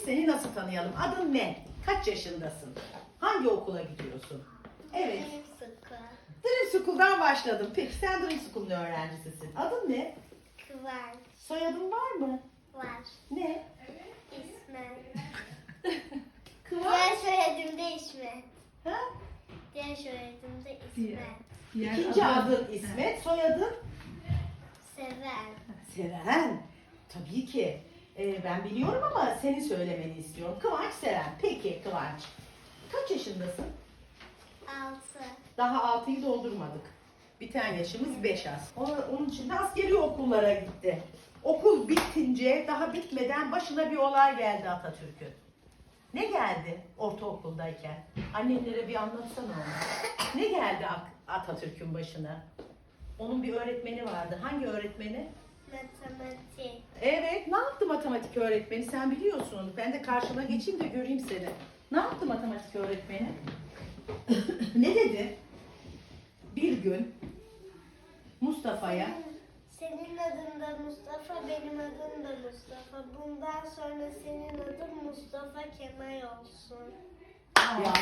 seni nasıl tanıyalım? Adın ne? Kaç yaşındasın? Hangi okula gidiyorsun? Evet. Dream School'dan başladım. Peki sen Dream School'un öğrencisisin. Adın ne? Kıvanç. Soyadın var mı? Var. Ne? İsmet. Kıvanç. Diğer soyadım da İsmet. Ha? Diğer soyadım da İsmet. İkinci adın İsmet, soyadın? Seven. Seren. Tabii ki. Ben biliyorum ama seni söylemeni istiyorum. Kıvanç Seren. Peki Kıvanç. Kaç yaşındasın? 6. Daha 6'yı doldurmadık. Biten yaşımız 5 az. Onun için de askeri okullara gitti. Okul bitince, daha bitmeden başına bir olay geldi Atatürk'ün. Ne geldi ortaokuldayken? Annenlere bir anlatsana onu. Ne geldi Atatürk'ün başına? Onun bir öğretmeni vardı. Hangi öğretmeni? Matematik. Evet, ne yaptı matematik öğretmeni? Sen biliyorsun onu. Ben de karşına geçeyim de göreyim seni. Ne yaptı matematik öğretmeni? Ne dedi? Bir gün Mustafa'ya Senin adın da Mustafa, benim adım da Mustafa. Bundan sonra senin adın Mustafa Kemal olsun. ya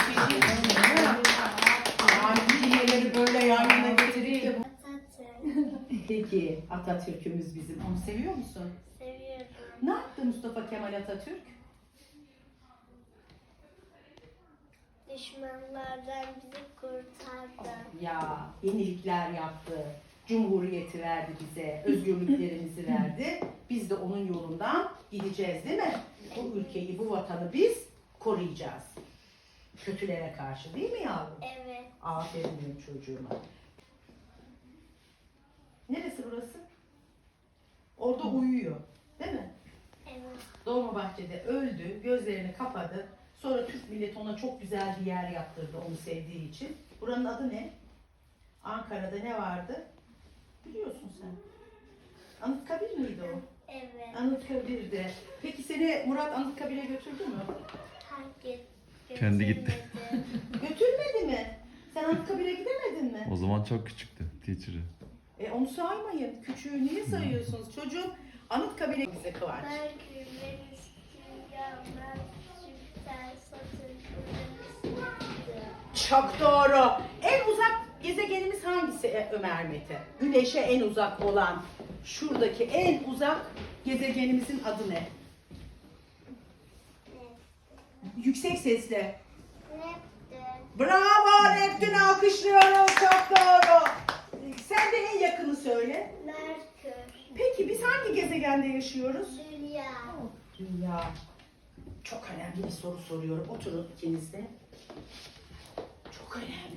kelimeleri böyle yan yana getireyim. Atatürk. Peki Atatürk'ümüz bizim. Onu seviyor musun? Seviyorum. Ne yaptı Mustafa Kemal Atatürk? Düşmanlardan bizi kurtardı. Ya yenilikler yaptı. Cumhuriyeti verdi bize. Özgürlüklerimizi verdi. Biz de onun yolundan gideceğiz değil mi? Bu ülkeyi, bu vatanı biz koruyacağız. Kötülere karşı değil mi yavrum? Evet. Aferin benim çocuğuma. Neresi burası? Orada uyuyor. Değil mi? Evet. Dolmabahçe'de öldü, gözlerini kapadı. Sonra Türk milleti ona çok güzel bir yer yaptırdı onu sevdiği için. Buranın adı ne? Ankara'da ne vardı? Biliyorsun sen. Anıtkabir miydi o? Evet. Anıtkabir'de. Peki seni Murat Anıtkabir'e götürdü mü? Herkes Kendi gitti. götürmedi. Götürmedi mi? Sen Anıtkabir'e gidemedin mi? O zaman çok küçüktü teacher'ı. Onu saymayın. Küçüğü niye sayıyorsunuz? Çocuğum Anıtkabir'e bize Kıvanç. Ben gülmek istiyorum. Ben süper satırlarım. Çok doğru. En uzak gezegenimiz hangisi Ömer Mete? Güneşe en uzak olan şuradaki en uzak gezegenimizin adı ne? Yüksek sesle. Neptün. Bravo Neptün, alkışlıyoruz. Çok doğru. Sen de en yakını söyle. Merkür. Peki biz hangi gezegende yaşıyoruz? Dünya. Dünya. Çok önemli bir soru soruyorum. Oturun ikiniz de. Çok önemli.